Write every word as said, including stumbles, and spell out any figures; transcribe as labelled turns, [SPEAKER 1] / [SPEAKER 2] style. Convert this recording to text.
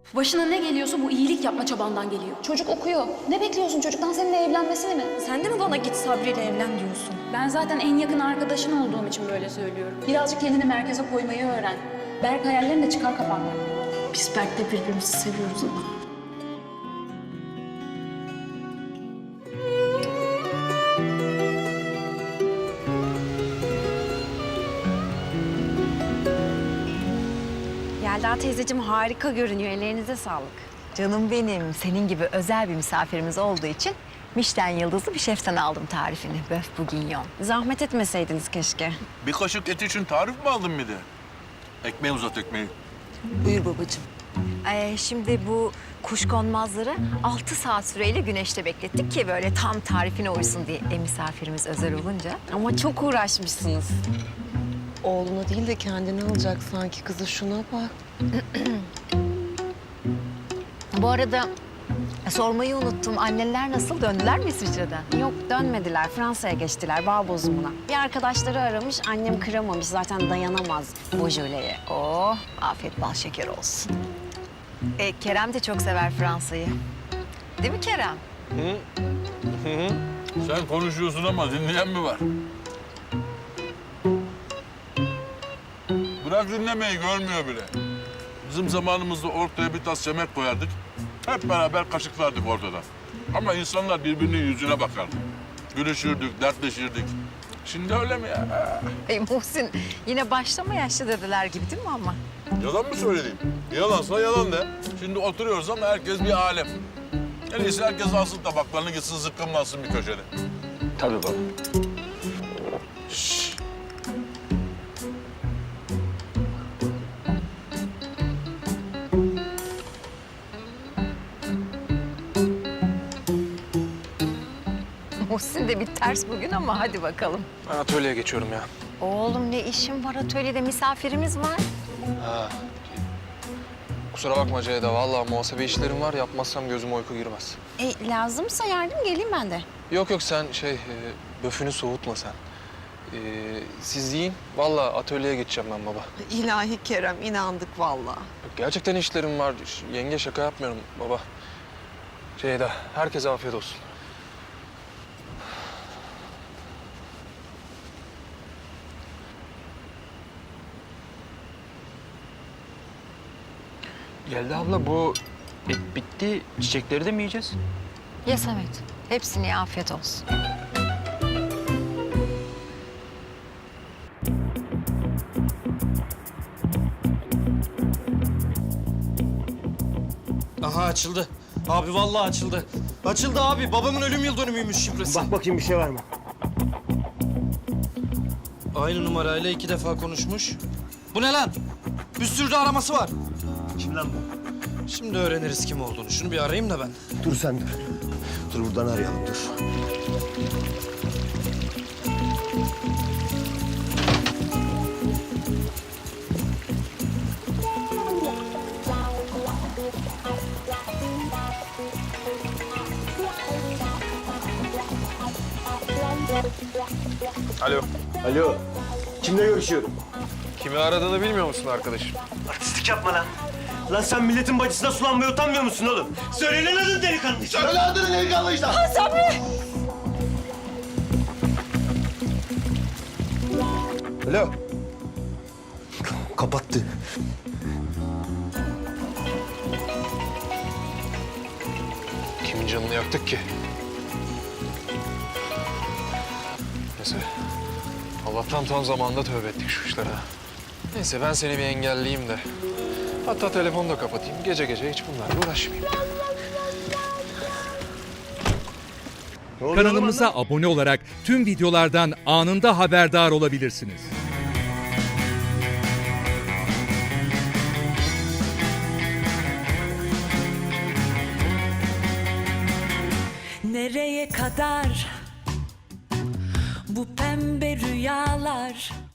[SPEAKER 1] Başına ne geliyorsa bu iyilik yapma çabandan geliyor.
[SPEAKER 2] Çocuk okuyor. Ne bekliyorsun çocuktan, seninle evlenmesini mi?
[SPEAKER 1] Sen de mi bana git Sabri ile evlen diyorsun? Ben zaten en yakın arkadaşın olduğum için böyle söylüyorum.
[SPEAKER 2] Birazcık kendini merkeze koymayı öğren. Berk hayallerini de çıkar kafandan.
[SPEAKER 1] Biz Berk'le birbirimizi seviyoruz ama.
[SPEAKER 3] Yelda teyzeciğim harika görünüyor. Ellerinize sağlık.
[SPEAKER 4] Canım benim, senin gibi özel bir misafirimiz olduğu için Michelin yıldızlı bir şeften aldım tarifini. Böf bourguignon.
[SPEAKER 3] Zahmet etmeseydiniz keşke.
[SPEAKER 5] Bir kaşık et için tarif mi aldın bir de? Ekmeği uzat ekmeği.
[SPEAKER 4] Buyur babacığım. Ee, şimdi bu kuşkonmazları altı saat süreyle güneşte beklettik ki böyle tam tarifine uysun diye e, misafirimiz özel olunca.
[SPEAKER 3] Ama çok uğraşmışsınız.
[SPEAKER 6] Oğluna değil de kendini alacak sanki kızı, şuna bak.
[SPEAKER 4] Bu arada e, sormayı unuttum. Anneler nasıl? Döndüler mi İsviçre'den?
[SPEAKER 3] Yok dönmediler. Fransa'ya geçtiler bağ bozumuna. Bir arkadaşları aramış. Annem kıramamış. Zaten dayanamaz bu jöleye.
[SPEAKER 4] Oh, afiyet bal şeker olsun. E, Kerem de çok sever Fransa'yı. Değil mi Kerem?
[SPEAKER 5] Sen konuşuyorsun ama dinleyen mi var? Bırak dinlemeyi, görmüyor bile. Bizim zamanımızda ortaya bir tas yemek koyardık. Hep beraber kaşıklardık ortada. Ama insanlar birbirinin yüzüne bakardı. Gülüşürdük, dertleşirdik. Şimdi öyle mi ya?
[SPEAKER 4] E, Muhsin yine başlama yaşlı dediler gibi değil mi ama?
[SPEAKER 5] Yalan mı söyleyeyim? Yalansa yalan de. Şimdi oturuyoruz ama herkes bir alem. En iyisi herkes alsın tabaklarını, gitsin zıkkımlansın bir köşede.
[SPEAKER 7] Tabii baba.
[SPEAKER 4] Muhsin de bir ters bugün ama hadi bakalım.
[SPEAKER 7] Ben atölyeye geçiyorum ya.
[SPEAKER 4] Oğlum ne işin var atölyede? Misafirimiz var.
[SPEAKER 7] Ha. Kusura bakma Ceyda. Vallahi muhasebe işlerim var. Yapmazsam gözüme uyku girmez.
[SPEAKER 3] E, lazımsa yardım geleyim ben de.
[SPEAKER 7] Yok yok sen şey, e, böfünü soğutma sen. E, siz yiyin. Vallahi atölyeye geçeceğim ben baba.
[SPEAKER 6] İlahi Kerem, inandık vallahi.
[SPEAKER 7] Yok, gerçekten işlerim var. Yenge şaka yapmıyorum baba. Ceyda, herkese afiyet olsun.
[SPEAKER 8] Yelda abla bu et bitti. Çiçekleri de mi yiyeceğiz?
[SPEAKER 4] Ye Samet. Hepsine afiyet olsun.
[SPEAKER 9] Aha açıldı. Abi vallahi açıldı. Açıldı abi. Babamın ölüm yıl dönümüymüş şifresi.
[SPEAKER 8] Bak bakayım bir şey var mı?
[SPEAKER 9] Aynı numarayla iki defa konuşmuş. Bu ne lan? Bir sürü de araması var.
[SPEAKER 8] Kim lan bu?
[SPEAKER 9] Şimdi öğreniriz kim olduğunu. Şunu bir arayayım da ben.
[SPEAKER 8] Dur sen dur. Dur buradan arayalım dur.
[SPEAKER 7] Alo.
[SPEAKER 8] Alo. Kimle görüşüyorum?
[SPEAKER 7] Kimi aradığını bilmiyor musun arkadaşım?
[SPEAKER 8] Artistlik yapma lan. Lan sen milletin bacısına sulanmaya utanmıyor musun oğlum? Söyle lan adını delikanlı işte. Söyle adını delikanlı işte. Ha Sabri! Alo. Kapattı.
[SPEAKER 7] Kimin canını yaktık ki? Neyse. Allah'tan tam zamanında tövbe ettik şu işlere. Neyse ben seni bir engelleyeyim de. Hatta telefonu da kapatayım. Gece gece hiç bunlarla uğraşmayayım.
[SPEAKER 10] Kanalımıza abone olarak tüm videolardan anında haberdar olabilirsiniz.
[SPEAKER 11] Nereye kadar bu pembe rüyalar?